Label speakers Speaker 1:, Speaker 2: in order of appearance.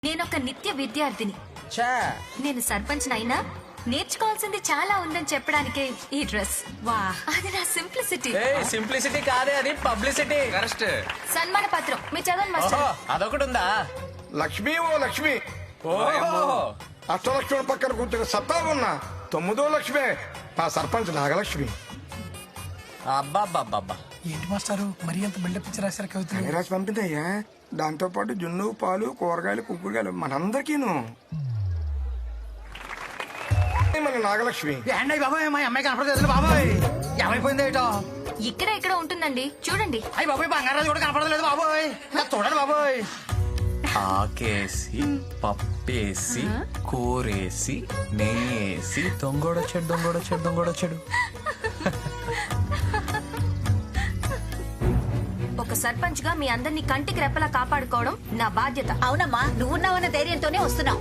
Speaker 1: నేనొక నిత్య విద్యార్థిని.
Speaker 2: ఛా,
Speaker 1: నేను సర్పంచ్ అయినా నేర్చుకోవాల్సింది చాలా ఉందని చెప్పడానికే ఈ డ్రెస్. వా, అది నా సింప్లిసిటీ.
Speaker 2: సింప్లిసిటీ కాదే, అది పబ్లిసిటీ.
Speaker 3: కరెక్ట్.
Speaker 1: సన్మాన పత్రం మీ చదవండి మాస్టర్.
Speaker 2: అదొకటి ఉందా?
Speaker 4: లక్ష్మి ఓ లక్ష్మి,
Speaker 2: ఓహో,
Speaker 4: అష్టలక్ష్మి పక్కన కూర్చొని సత్తా ఉన్నా 9వ లక్ష్మి మా సర్పంచ్ నాగలక్ష్మి.
Speaker 2: అబ్బాబ్బాబ్బా.
Speaker 5: ఏంటి మాస్టారు మరి అంత బిల్డప్ ఇచ్చి రాశారు కవితలు?
Speaker 4: రాసి పంపిందయ్యా. దాంతో పాటు జున్ను, పాలు, కూరగాయలు, కుక్కుడుగాయలు మనందరికీను. మన నాగలక్ష్మి
Speaker 5: ఏంటి బాబాయ్ మా అమ్మాయి కనపడలేదు బాబాయ్, ఏమైపోయింది ఏటో?
Speaker 1: ఇక్కడ ఇక్కడ ఉంటుందండి, చూడండి.
Speaker 5: అయ్యి బాబాయ్ బంగారాజు కూడా కనపడలేదు బాబాయ్, చూడండి బాబాయ్.
Speaker 3: ఆకేసి పప్పేసి కూరేసి నెయ్యేసి దొంగోడొచ్చాడు.
Speaker 1: ఒక సర్పంచ్ గా మీ అందరినీ కంటికి రెప్పలా కాపాడుకోవడం నా బాధ్యత.
Speaker 6: అవునమ్మా, నువ్వున్నావన్న ధైర్యంతోనే వస్తున్నావు.